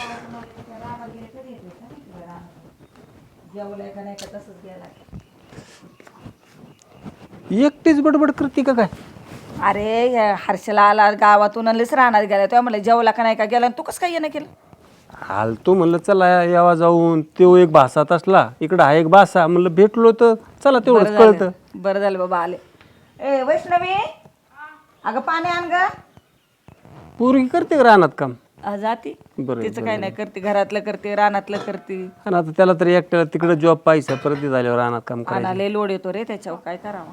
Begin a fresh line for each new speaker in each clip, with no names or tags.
एकटीच बडबड करते का काय?
अरे हर्षला आला गावातून आणलीच राहणार गेला तेव्हा म्हणलं जेवला का नाही का गेला तू कसं काय येणं केलं?
आलतो म्हणलं चला यावा जाऊन, तो एक भासात असला, इकडं हा एक भासा, म्हणलं भेटलो तर चला तेवढंच कळतं.
बरं झालं बाबा आले. ए वैष्णवी अगं पाणी आण ग.
पोरगी करते का रानात काम?
जाती
बरं
तिचं काय नाही करते, घरातलं करते रानातलं करते.
आणि आता त्याला तरी एकट्याला तिकडे जॉब पाहिजे, परत ते झाल्यावर रानात काम करायचं.
आणाले लोड येतो रे त्याच्यावर, काय करावं.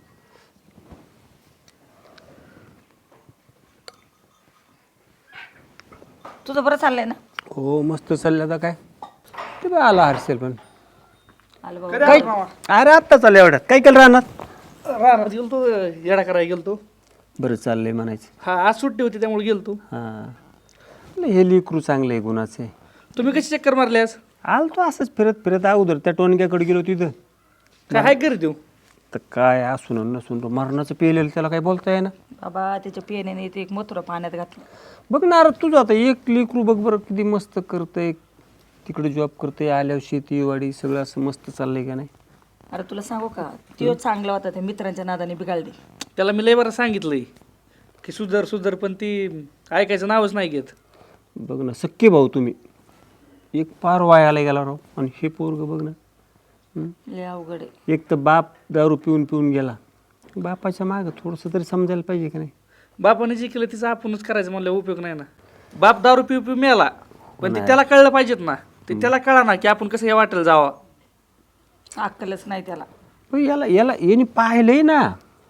तुझं बरं चाललंय ना?
हो मस्त चाललं. आता काय ते बा आला हर्षल पण
आलं बाबा.
काय अरे आत्ता चाललं एवढ्यात काय केलं रानात?
रानात गेलतो, येडा करायला गेलतो.
बरं चाललंय म्हणायचं.
हा आज सुट्टी होती त्यामुळे गेलतो.
हां हे लिकरू चांगलं आहे गुणाचे.
तुम्ही कशी चक्कर मारली आज?
आलतो असंच फिरत फिरत अगोदर त्या टोनक्याकडे गेलो तिथं.
काय हाय घरी देऊ?
तर काय असून नसून मरणाचं पेलेलं त्याला काय बोलता येईना.
बाबा त्याच्या पिण्याने ते एक मथुरा पाण्यात घातलं.
बघ ना अरे तुझं आता एक लेकरू बघ बरं किती मस्त करतंय, तिकडे जॉब करतंय, आल्यावर शेती वाडी सगळं असं मस्त चाललंय का नाही.
अरे तुला सांगू का, तो चांगला होता त्या मित्रांच्या नादाने बिघाडली.
त्याला मी लय बरं सांगितलंय की सुधर सुधर, पण ती ऐकायचं नावच नाही घेत.
बघ ना सख्खे भाऊ तुम्ही, एक पार वायाला गेला राव, आणि हे पोरग बघ ना.
लय अवघड आहे.
एक तर बाप दारू पिऊन पिऊन गेला, बापाच्या मागं थोडंसं तरी समजायला पाहिजे का नाही.
बापाने जे केलं तिचं आपणच करायचं म्हणलं उपयोग नाही ना. बाप दारू पिऊ पिऊ मेला, पण ते त्याला कळलं पाहिजेत ना. ते त्याला कळा ना की आपण कसं हे वाटेल जावा.
अक्कलच नाही त्याला.
पण याला याला याने पाहिलंय ना,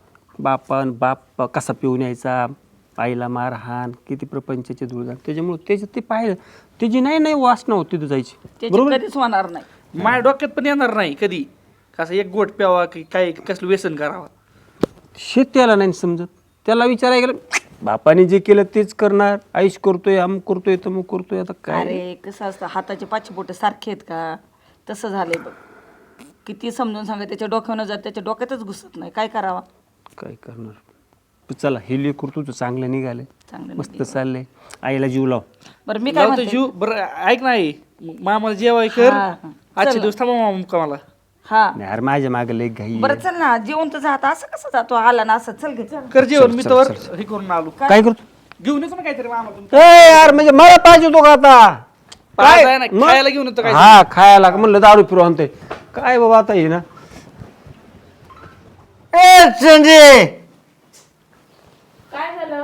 बाप कसा पिऊन यायचा, आईला मारहाण, किती प्रपंचाचे धुळधाण, त्याच्यामुळे त्याच्यात ते पाहिलं, त्याची नाही वासना होती तिथं जायची.
त्याची कधीच होणार नाही.
माझ्या डोक्यात पण येणार नाही कधी कसं एक गोट प्यावा की काय कसलं व्यसन करावा.
शेत त्याला नाही समजत. त्याला विचारायला गेलं बापाने जे केलं तेच करणार, आईश करतोय, अमुक करतोय, तमुक करतोय. आता काय
अरे कसं असतं, हाताचे पाचशे बोटे सारखे आहेत का? तसं झालंय बघ. किती समजून सांगा, त्याच्या डोक्यानं जात, त्याच्या डोक्यातच घुसत नाही. काय करावा?
काय करणार. चला हे लेकरू तुझं चांगलं निघालंय,
चांगलं
मस्त चाललंय. आईला जीव लाव.
बरं मी काय
लावतो
म्हणते,
जीव. बरं ऐक नाही, मामाला जेवाय कर.
हा, हा.
आजचे दिवस थांबा मामा का मला.
हा
नाही अरे माझ्या मागे लय घाई.
बरं चल ना, जेवण तर जात असं कसं जातो, आला ना असं. चल घे चल.
कर जेवण, मी तर हे करून आलो.
काय करतो?
घेऊन येतो ना काहीतरी मामा
ए यार म्हणजे मला पाहिजे तो का आता
काय खायला घेऊन येतो काय.
हा खायला म्हणलं दारू फिरू आणते काय बाबा आता हे ना.
ए संजय,
काय झालं?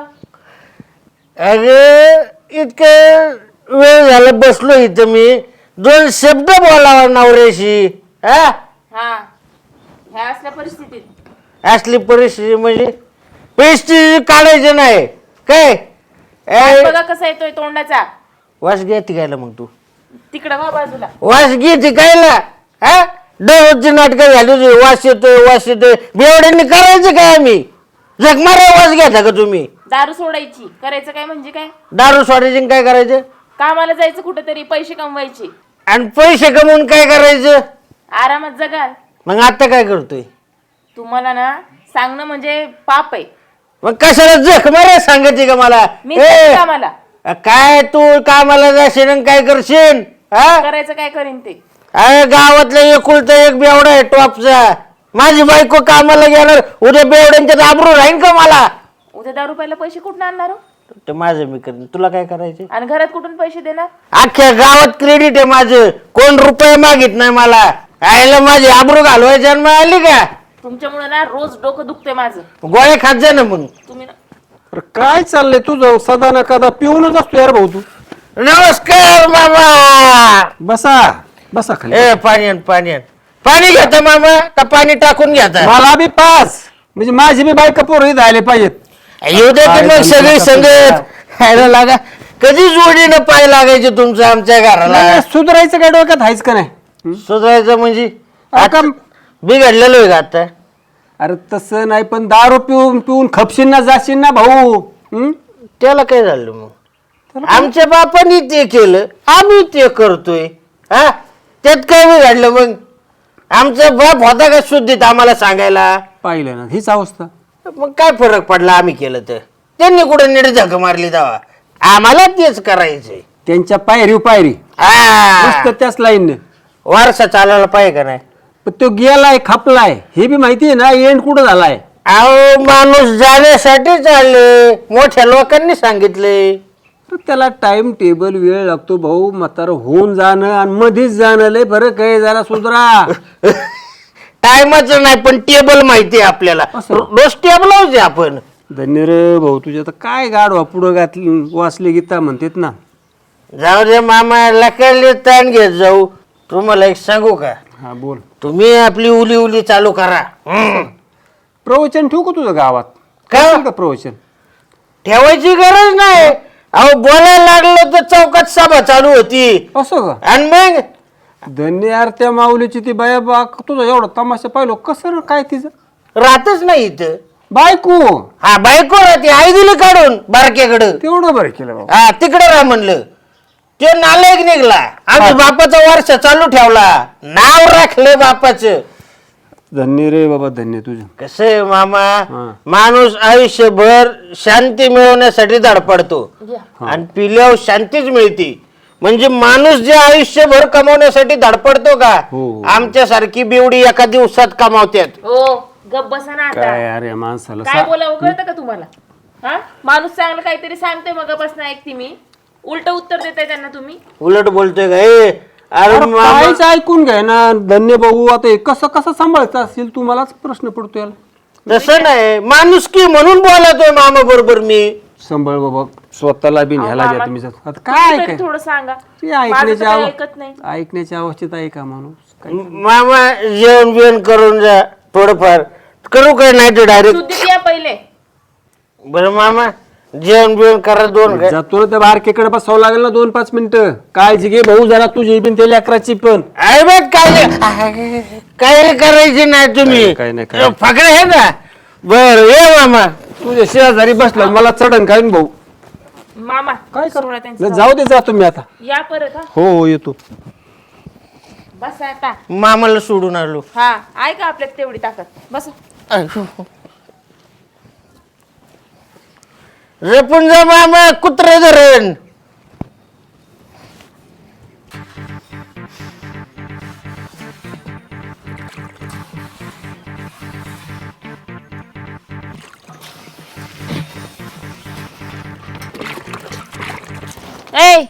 अरे इतकं वेळ झाला बसलो इथं, मी दोन शब्द बोलावा नवऱ्याशी. हा
हा ह्या असल्या परिस्थितीत
असली परिस्थिती म्हणजे परिस्थिती काढायची नाही काय.
हात बघा कसा येतोय तोंडाचा.
वास घ्यायची गायला मग तू
तिकडं वा बाजूला.
वास घ्यायची गायला. हा दररोजची नाटकं झाली होती, वास येतोय बेवड्यांनी करायचं काय? आम्ही जगमारा वास घ्यायचा का तुम्ही?
दारू सोडायची, करायचं काय म्हणजे काय?
दारू सोडायची आणि काय करायचं?
कामाला जायचं कुठेतरी, पैसे कमवायचे
आणि पैसे कमवून काय करायचं?
आरामात जगाल.
मग आता काय करतोय?
तुम्हाला ना सांगणं म्हणजे पाप आहे.
मग कशाला जख मारा सांगायची का मला?
मी जाते कामाला.
काय तू कामाला जाशील आणि काय करशील? हा
करायचं काय करीन ते.
अरे गावातला एकुलता एक बेवडा आहे टॉपचा. माझी बायको कामाला गेणार, उद्या बेवड्यांच्यात आबरू राहीन का मला?
उद्या दारू प्यायला पैसे कुठून आणणार हो?
ते माझं मी करेन, तुला काय करायचे?
आणि घरात कुठून पैसे देणार?
अख्ख्या गावात क्रेडिट आहे माझं, कोण रुपये मागित नाही मला. आईला माझी आबरू घालवायची जन्म आली का?
तुमच्यामुळे ना रोज डोकं दुखते माझं.
गोळ्या खात जा ना मग.
तुम्ही ना
अरे काय चाललंय तुझं? सदा ना कदा पिऊनच असतो यार भाऊ तू.
नमस्कार मामा.
बसा बसा खाली.
ए पाणी घेता मामा का पाणी टाकून घेता?
मला बी पास, म्हणजे माझी बी बायका पोरं इथं आले पाहिजेत.
येऊ दे की मग सगळी संगत खायला लागा. कधी जोडीनं पाय लागायचे तुमचं आमच्या घराला?
नाही, सुधारायचं काय डोक्यात आहेच का नाही?
सुधारायचं म्हणजे
आता
बिघडलेलो आहे का आता?
अरे तसं नाही, पण दारू पिऊन पिऊन खपशील ना जाशील ना भाऊ.
त्याला काय झालं मग? आमच्या बापानी ते केलं, आम्ही ते करतोय. हा त्यात काय बिघडलं मग? आमचा बाप होता का शुद्धीत आम्हाला सांगायला?
पाहिलं ना हीच अवस्था.
मग काय फरक पडला आम्ही केलं तर? त्यांनी कुठे नीट झक मारली तेव्हा? आम्हाला तेच करायचंय.
त्यांच्या पायरी
हा
मस्त त्याच लाईनने.
वारसा चालायला पाहिजे का नाही?
पण तो गेलाय खपलाय हे बी माहिती आहे ना, एंड कुठं झालाय.
अहो माणूस जाण्यासाठी चालले, मोठ्या लोकांनी सांगितले.
तर त्याला टाइम टेबल वेळ लागतो भाऊ. म्हातारं होऊन जाणं आणि मध्येच जाणं लय फरक आहे, जरा सुधरा.
टायमाच नाही पण टेबल माहिती आहे आपल्याला.
असं?
रोज टेबल होते आपण.
धन्य रे भाऊ, तुझ्या तर काय गाडवा पुढं घातली वाचले गीता म्हणतात ना.
जाऊ दे मामा, लकडले ताण घेत जाऊ. तुम्हाला एक सांगू का?
हा बोल.
तुम्ही आपली उली चालू करा.
प्रवचन ठेवू का तुझं गावात?
का?
करशील का प्रवचन?
ठेवायची गरज नाही. अहो बोलायला लागलं तर चौकात सभा चालू होती.
असं का?
आणि मग
धन्य यार, त्या माऊलीची ती बाया बा, तुझा एवढा तमाशा पाहिलो कसं रे, काय तिचं
राहतच नाही इथं.
बायको
हा बायको राहते, आई दिली काढून बारक्याकडं.
तेवढं बरं केलं बाबा.
हा तिकडे राह म्हणलं. तो नालायक निघला. आम्ही बापाचा वर्ष चालू ठेवला, नाव राखलं बापाचं.
धन्य रे बाबा, धन्य तुझं.
कसं आहे मामा,
हा.
माणूस आयुष्यभर शांती मिळवण्यासाठी धडपडतो आणि पिल्यावर शांतीच मिळते. म्हणजे माणूस जे आयुष्यभर कमावण्यासाठी धडपडतो का,
हो.
आमच्यासारखी बेवडी एका दिवसात कमावतात.
हो गप बसा ना आता.
काय अरे माणसाला
काय बोलावं कळतं का तुम्हाला? हा माणूस चांगलं काहीतरी सांगतोय मग बस ना ऐकते मी, उलट उत्तर देताय त्यांना तुम्ही.
उलट बोलतोय का? ए अरे मामा,
काहीच ऐकून घ्याय ना. धन्य भाऊ, आता हे कसं सांभाळायचं असेल, तुम्हालाच प्रश्न पडतो याला.
तसं नाही, माणुसकी म्हणून बोलतोय मामा बरोबर मी.
सांभाळ बाबा, स्वतःला बी न्यायला
मामा,
घ्या तुम्ही. आता काय
तरी थोडं सांगा.
ते
माझं तर काही ऐकत नाही.
ऐकण्याच्या अवस्थेत आहे का माणूस? काय?
मामा जेवण बिवण करून जा थोडंफार. करू काय नाही तर डायरेक्ट.
शुद्धीत या पहिले.
बरं मामा जेवण बिवण करा दोन काय.
जातो ना त्या बारकेकडे बसावं लागेल ना 2-5 मिनिटं. काळजी घे भाऊ जरा, तुझी बिन त्या लेकराची पण.
अरे बघ काय करायचे नाही तुम्ही.
काय नाही.
फकडे हे ना. बर ये मामा.
तुझ्या शेजारी बसला मला चढण काय भाऊ.
मामा
काय
सोडा त्यांचं.
जाऊ दे, जातो मी आता.
या परत हा.
हो येतो.
बस आता.
मामाला सोडून आलो.
हा ऐका आपल्यात तेवढी ताकद. बस.
रेपून जा मामा, कुत्रे धरण.
ए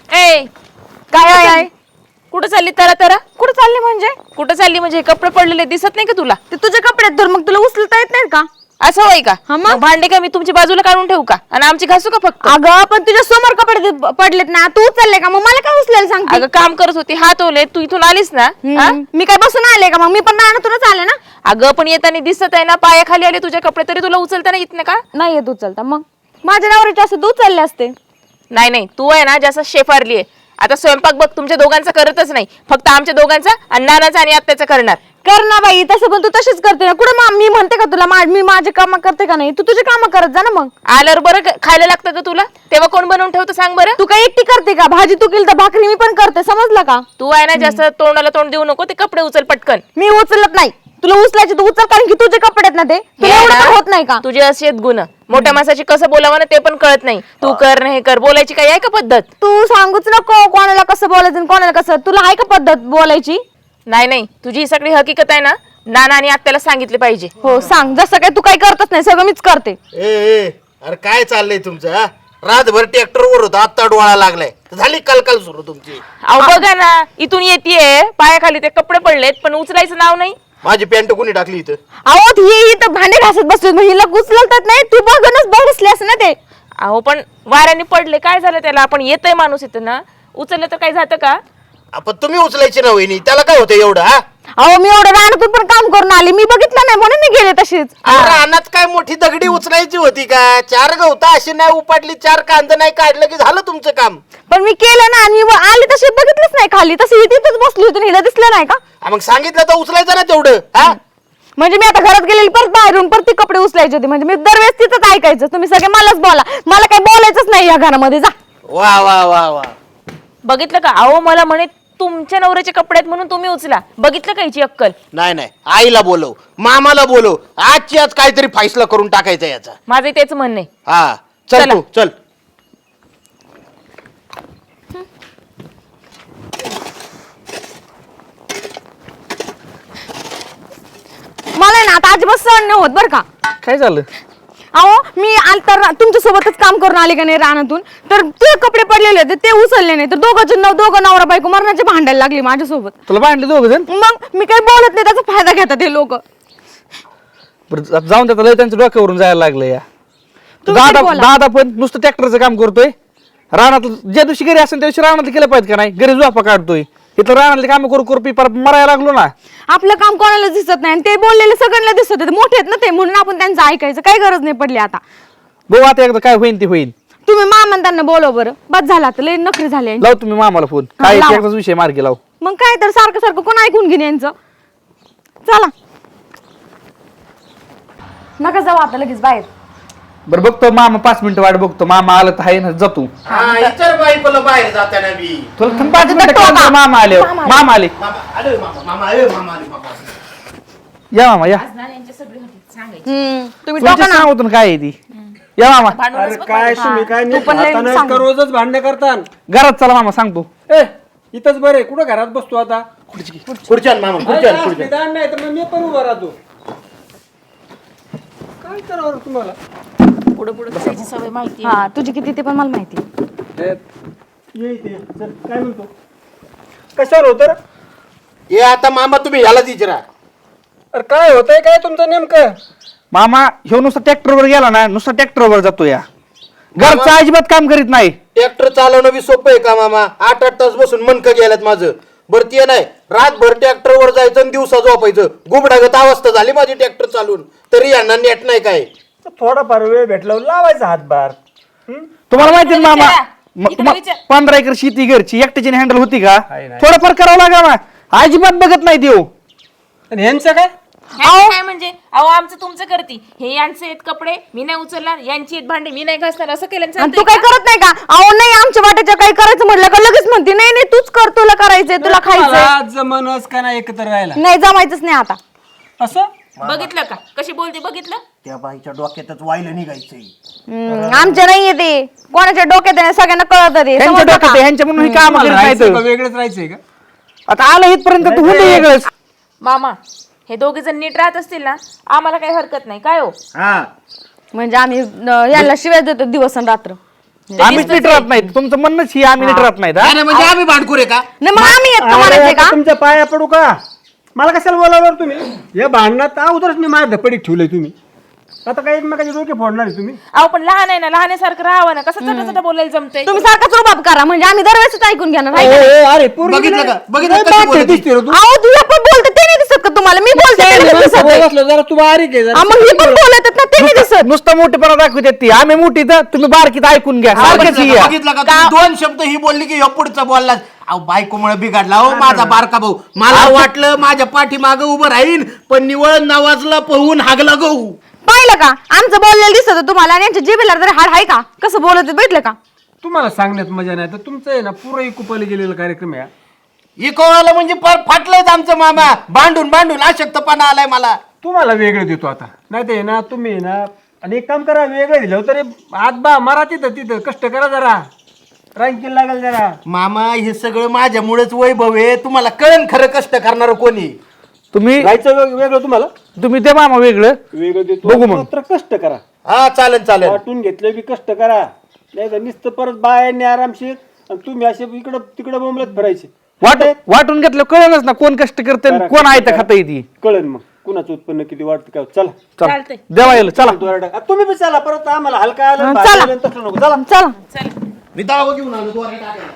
ए काय आहे? कुठं चालली तरा?
कुठं चालली म्हणजे?
कुठं चालली म्हणजे हे कपडे पडलेले दिसत नाही का तुला?
ते तुझे कपडे आहेत तर मग तुला उचलता येत नाहीत का?
असं होय का?
हा मग?
मग भांडे का मी तुमची बाजूला काढून ठेवू का आणि आमची घासू का फक्त?
अगं पण तुझ्या समोर कपडे पडलेत ना, तू उचलले का? मग मला काय उचलायला सांगते?
अगं काम करत होती, हात ओले, तू इथून आलीस ना. हा?
मी काय बसून आले का? मग मी पण रानातूनच आले ना.
अगं पण येताना दिसत आहे ना, पायाखाली आले तुझे कपडे, तरी तुला उचलता नाही येत नाही का?
नाही येत उचलता. मग माझ्या नवऱ्याचे असं तू उचलले असते.
नाही तू आहे ना जास्त शेफारली आहे. आता स्वयंपाक बघ तुमच्या दोघांचा करतच नाही, फक्त आमच्या दोघांचा आणि नानाचा आणि आत्याचा करणार.
कर ना बाई, तसं पण तू तशीच करते ना. कुठं मी म्हणते का तुला मी माझे काम करते का नाही? तू तुझे काम करत जा ना. मग
आल्यावर बरं खायला लागतं का तुला? तेव्हा कोण बनवून ठेवतं सांग बरं?
तू काय एकटी करते का? भाजी तू केली तर भाकरी मी पण करते, समजलं का?
तू आहे ना जास्त तोंडाला तोंड देऊ नको, ते कपडे उचल पटकन.
मी उचलत नाही. तुला उचलायचे तू उचल, कारण की तुझे कपडे आहेत ना ते. तुला
हे
एवढं
ना,
पण होत नाही का?
तुझे असे आहेत गुण. मोठ्या माणसाची कसं बोलावं ना ते पण कळत नाही. तू कर नाही कर, बोलायची काही आहे का पद्धत?
तू सांगूच नको कोणाला कसं बोलायचं आणि कोणाला कसं. तुला आहे का पद्धत बोलायची?
नाही तुझी ही सगळी हकीकत आहे ना, नाना आणि आत्याला सांगितले पाहिजे.
हो सांग. जसं काय तू काही करतच नाही, सगळं मीच करते.
अरे काय चाललंय तुमचं? हा? रातभर ट्रॅक्टरवर होता, आता डोळा लागलाय. झाली कलकल सुरू तुमची.
अहो बघा ना, इथून येतेय पायाखाली ते कपडे पडलेत, पण उचलायचं नाव नाही.
माझी पॅन्ट कोणी टाकली इथं?
अहो ही इथं भांडे घासत बसले, मग हिला उचलतात नाही. तू बघूनच बसल्यास ना ते.
अहो पण वाऱ्याने पडले, काय झालं त्याला? आपण येतोय माणूस इथं ना, उचललं तर काय जातं का?
आपण तुम्ही उचलायची ना वहिनी, त्याला काय होतं एवढं? हा
अहो मी एवढं रानातून पण काम करून आले, मी बघितलं नाही म्हणून मी गेले तशीच.
रानात काय मोठी दगडी उचलायची होती का? 4 गवता अशी नाही उपाडली, 4 कांदा नाही काढलं की झालं तुमचं काम.
पण मी केलं ना, आणि मी आले तशी बघितलंच नाही खाली, तशी तिथेच बसली होती. हिला दिसलं नाही का?
मग सांगितलं तर उचलायचं ना तेवढं. हा
म्हणजे मी आता घरात गेलेली परत बाहेरून परत ती कपडे उचलायचे होते. म्हणजे मी दरवेळेस तिथंच ऐकायचं, तुम्ही सगळे मलाच बोला, मला काही बोलायचंच नाही या घरामध्ये. जा.
वा वा वा वा.
बघितलं का? अहो मला म्हणे तुमच्या नवऱ्याचे कपडे आहेत म्हणून तुम्ही उचला. बघितलं का हिची अक्कल?
नाही आईला बोलव, मामाला बोलव, आजची आज काहीतरी फैसला करून टाकायचा याचा.
माझं तेच म्हणणं आहे.
हा चल
चला.
तू चल.
मला आहे ना आता अजिबात सहन नाही होत बरं का.
काय झालं?
अहो मी आल तर तुमच्या सोबतच काम करून आले का नाही रानातून, तर ते कपडे पडलेले होते ते उचलले नाही, तर दोघं नवरा बायको मरणाचे भांडायला लागली माझ्यासोबत.
तुला भांडले दोघ जण?
मग मी काही बोलत नाही, त्याचा फायदा घेतात ते लोक.
बरं आता जाऊन त्याचा लय त्यांच्या डोक्यावरून जायला लागलं या.
तुम्ही
दादा
तरी बोला.
दादा पण नुसतं ट्रॅक्टरचं काम करतोय. रानात ज्या दिवशी घरी असेल त्या दिवशी रानातलं केलं पाहिजे का नाही? घरी झोपा काढतोय, इथं रानातले काम करू करू परत मरायला लागलो ना.
आपलं काम कोणाला दिसत नाही आणि ते बोललेले सगळ्यांना दिसत होते, मोठे आहेत ना ते, म्हणून आपण त्यांचं ऐकायचं काही गरज नाही पडली आता.
बघू आता एकदा काय होईल ते होईल.
तुम्ही मामा त्यांना बोलव बरं, बस झाला आता लय नखरे झाले यांचे.
लाव तुम्ही मामाला फोन, काय
लावा.
एकदाच विषय मार्गी लाव.
मग काय तर सारखं सारखं कोण ऐकून घेणे यांचं. चला नका जाऊ आता लगेच बाहेर.
बरं बघतो मामा 5 मिनिटं वाट बघतो, मामा आलं तर आहे ना जातो.
हा इतर बायकोला बाहेर जाताना बी
तुला थांब 5 मिनिटं काय मामा आले. मामा आले. या मामा या.
तुम्ही
तुमच्या
टाका ना.
सांगतो ना काय आहे ती. या मामा
अरे काय तुम्ही काय
तू पण लय
आता
सांग.
का रोजच भांडणे करता?
घरात चला मामा सांगतो.
ए इथंच बरे, कुठं घरात बसतो आता?
खुर्च्यान मामा खुर्च्यान
अरे,
खुर्च्यान
निदान नाही तर मग मी पण उभा राहतो. काय करावं रे तुम्हाला?
पुढे पुढे बसायची सवय माहिती
हा तुझी किती ते पण मला माहिती.
ये इथे. चल, काय म्हणतो? कशावर होतं रे?
हे आता मामा तुम्ही याला विचारा.
अरे काय होतंय काय तुमचं नेमकं?
मामा ह्यो नुसतं ट्रॅक्टरवर गेला ना, नुसतं ट्रॅक्टरवर जातो या. घरचं अजिबात काम करीत नाही.
ट्रॅक्टर चालवणं बी सोपं आहे का मामा? 8-8 तास बसून मनकं गेल्यात माझं. बरं ते नाही, रातभर ट्रॅक्टरवर जायचं आणि दिवसा झोपायचं. गुबडागत अवस्था झाली माझी ट्रॅक्टर चालून, तरी यांना नेट नाही काय.
थोडाफार वेळ भेटला लावायचा हातभार.
तुम्हाला माहिती आहे ना मामा,
इकडे
तुम्हाला
विचार.
15 एकर शेती घरची एकट्याची हँडल होती का?
आहे नाही.
थोडंफार करावं लागा ना. अजिबात बघत नाही देऊ.
आणि ह्यांचं काय?
काय म्हणजे अहो आमचं तुमचं करती, हे यांचे आहेत कपडे मी नाही उचलणार, यांची आहेत भांडे मी नाही घासणार, असं केलं
आणि
चालतंय
तू काय
का?
करत नाही का? अहो नाही आमच्या वाट्याच्या काही करायचं म्हटलं का लगेच म्हणते नाही नाही तूच कर, तुला करायचंय, तुला खायचंय.
तुम्हाला जमनच का नाही एकत्र राहायला?
नाही जमायचंच नाही आता.
असं
बघितलं का कशी बोलते, बघितलं?
त्या बाईच्या डोक्यातच वाहिलं निघायचंय.
आमच्या नाहीये ते, कोणाच्या डोक्यात आहे, सगळ्यांना कळत ते,
ह्यांच्या
समजलं
डोक्यात
का?
आहे, ह्यांच्या म्हणून ही काम
तुम्हाला
करीत
राहायचंय का?
नाही.
वेगळंच राहायचंय का?
आता आलं इथपर्यंत तू हुंडे वेगळंच.
मामा हे दोघे जण नीट राहत असतील ना, आम्हाला काही हरकत नाही काय हो.
हा
म्हणजे आम्ही याला शिवाय देतो दिवस आणि रात्र.
आम्ही नीट राहत नाही, तुमचं म्हणणंच ही आम्ही नीट राहत नाहीत. हा?
नाही, म्हणजे आम्ही भांडखोर आहे का?
नाही मग आम्ही येत का म्हणायचंय
अरे,
का?
आता तुमच्या पाया पडू का? मला कशाला बोलावर तुम्ही? या भांडणात अगोदरच मी माझ्या धपडीत ठेवलंय तुम्ही. आता काही एकमेकाचे डोके फोडणार आहे तुम्ही?
अहो पण लहान आहे ना, लहानासारखं राहावं ना, कसं चटा चटा बोलायला जमतंय.
तुम्ही सारखाच रुबाब करा म्हणजे आम्ही दरवेळेस ऐकून घेणार आहे
ए,
का?
ए, अरे पोरगी
बघितलं
नाही-
का? बघितलं
नाही,
कशी
बाप
बोलते?
दिसते रे तू.
अहो तुझ्या पण बोलते ते नाही दिसत का तुम्हाला? मी बोलते ते नाही दिसत आहे.
बसलो जरा तू बारीक आहे जरा.
हा, मग ही पण बोलत आहेत ना ते नाही दिसत.
नुसतं मोठेपणा दाखवतात ती. आम्ही मोठी तर तुम्ही बारकीत ऐकून घ्या. सारखंच
बघितलं
ही
का?
आहे.
बघितलं का? तुम्ही 2 शब्द ही बोलली की ह्यो पुढचा बोलला. अहो बायकोमुळे बिघडला हो माझा बारका भाऊ. मला वाटलं माझ्या पाठीमागं उभं राहीन, पण निवळ नावाजला पळून हागला गहू.
पाहिलं का आमचं बोललेलं दिसत होतं तुम्हाला, आणि यांच्या जिभेला तरी हाड आहे का? कसं बोलत आहेत बघितलं का?
तुम्हाला सांगण्यात मजा नाही तर तुमचं आहे ना पुरं कुपाला गेलेला कार्यक्रम आहे हा.
इकोवाला म्हणजे फाटलंच आमचं मामा. भांडून भांडून अशक्तपणा आलाय मला.
तुम्हाला वेगळं देतो आता, नाही ते ना तुम्ही ना. आणि एक काम करा, वेगळं दिलं तरी आत मारा तिथं तिथं कष्ट करा जरा, रँकिंग लागेल जरा.
मामा हे सगळं माझ्यामुळेच वैभव आहे. तुम्हाला कळण खरं कष्ट करणार कोणी.
तुम्ही
राहायचं वेगळं तुम्हाला
तुम्ही ते मामा वेगळं.
वेगळं देतो,
बघू मग.
मात्र कष्ट करा.
हा चालेल चालेल.
वाटून घेतले बी कष्ट करा, नाही तर नुसतं परत बायांनी आरामशीर आणि तुम्ही असे इकडं तिकडं बोंबलत फिरायचे.
वाटून घेतलं कळलंच ना कोण कष्ट करते आणि कोण आयतं खाता येते.
कळेल मग कुणाचं उत्पन्न किती वाटतं काय. चला
चालतंय
देवा येईल चला.
दोरडा. तुम्ही बी चला परत, आम्हाला हलका आलं
चला.
भाजी आलं, तसं नको. चला
चला
मी दावा घेऊन आलो दोरा टाकायला.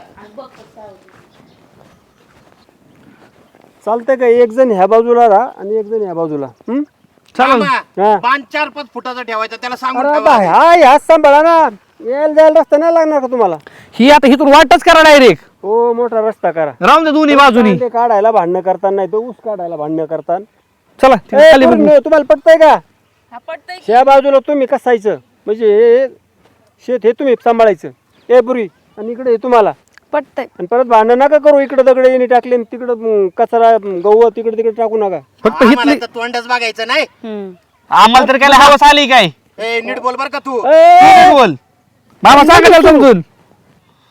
चालतंय का? एक जण ह्या बाजूला राहा आणि एक जण ह्या बाजूला.
मामा,
हा.
बाण 4-5 फुटाचा ठेवायचा, त्याला सांगून
अरे
ठेवा.
बा, हा ह्याच सांभाळा ना, यायला जायला रस्ता नाही लागणार का तुम्हाला?
ही आता हिथून वाटच करा डायरेक्ट.
हो मोठा रस्ता करा.
राहून दे दोन्ही बाजूनी.
ते काढायला भांडणं करताना, नाही तर ऊस काढायला भांडणं करताना.
चला तिथे खाली बघू.
तुम्हाला पटतंय का?
हा पटतंय.
ह्या बाजूला तुम्ही कसायचं म्हणजे हे शेत हे तुम्ही सांभाळायचं हे पुरी, आणि इकडे हे तुम्हाला.
पटतंय.
आणि परत भांडण नका करू, इकडे दगड येणे टाकले तिकडं कचरा गहू तिकडे तिकडे टाकू नका.
फक्त
आम्हाला
हिथली
तर तोंडच बघायचं नाही.
आम्हाला तर काय हवस आली काय?
ए नीट बोल बर का तू.
तू बोल मामा सांगा समजून.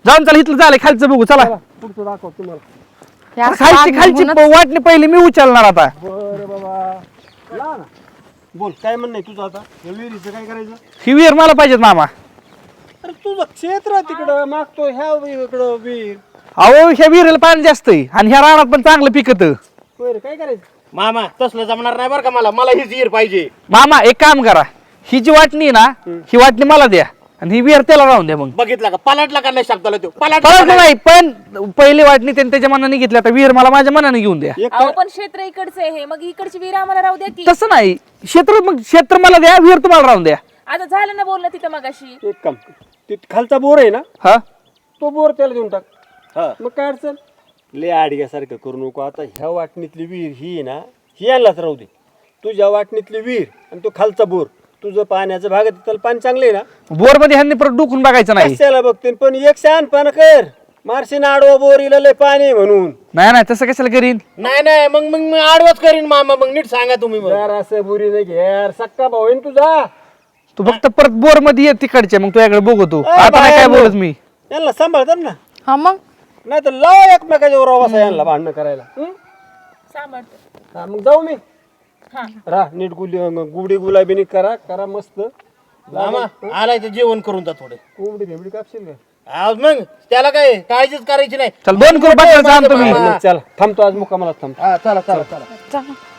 जाऊन चला इथलं झालंय खालचं बघू चला
पुढचं दाखव तुम्हाला.
हे असं
खालची खालची
म्हणूनच-
वाटणी पहिली मी उचलणार आता
बरं बाबा ला ना बोल काय म्हणणं आहे तुझं आता या विहिरीचं काय करायचं?
ही विहीर मला पाहिजेत मामा.
अरे तुझं क्षेत्र तिकडं मागतो ह्या इकडं विहीर
अहो ह्या विहिरीला पाणी जास्त आहे आणि ह्या रानात पण चांगलं पिकत.
बरं काय करायचं?
मामा तसलं जमणार नाही बरं का मला हीच विहीर पाहिजे.
मामा एक काम करा, ही जी वाटणी आहे ना ही वाटणी मला द्या आणि ही विहीर त्याला राहून द्या. मग
बघितला का पलटला का नाही शब्दाला तो
परत नाही, पण पहिली वाटणी त्यांनी त्याच्या मनाने घेतली, आता विहीर मला माझ्या मनाने घेऊन द्या.
एक
अहो पण क्षेत्र इकडचं आहे, मग इकडची विहीर आम्हाला राहू द्या की.
तसं नाही, क्षेत्र मला द्या, विहीर तुम्हाला राहून द्या.
आता झालं ना बोलणं तिथं मगाशी.
एक काम ते खालचा बोर आहे ना
हा
तो बोर त्याला देऊन टाक.
हा.
मग काय अडचण ले आडग्यासारखं करू नको. आता ह्या वाटणीतली विहीर ही आहे ना ही आणलाच राहू दे. तुझ्या वाटणीतली विहीर आणि तो खालचा बोर तुझं पाण्याचं भाग आहे, त्याला पाणी चांगलं आहे ना.
बोर मध्ये ह्यांनी परत डुकून बघायचं नाही.
कशाला बघते पण एक शहाणपणा कर मारशीन आडवा बोर इला लय पाणी आहे म्हणून.
नाही तसं कशाला करीन.
नाही मग मी आडवच करीन मामा. मग नीट सांगा तुम्ही मग.
यार असं बुरी नाही घे यार सक्का भाऊ आहे ना तुझा.
तू फक्त परत बोर मध्ये ये तिकडचे, मग तुझ्याकडे बघतो.
ए,
आता नाही काय
बाहेर
बोलत मी.
यांना सांभाळतात ना
हा मग
नाही तर लाव एकमेकाच्या बरोबर बसा यांना भांडणं करायला.
सांभाळतो.
हा, मग जाऊ मी राह नीट गुडी गुलाबीनी करा मस्त.
मामा आलाय तर जेवण करून जा थोडे.
कोंबडी घेबडी कापशील का?
आज मग त्याला काय काळजीच करायची नाही.
चल दोन करू बसायला सांगतो मी.
चला थांबतो आज मुक्कामाला थांबतो.
हा चला चला चला
चला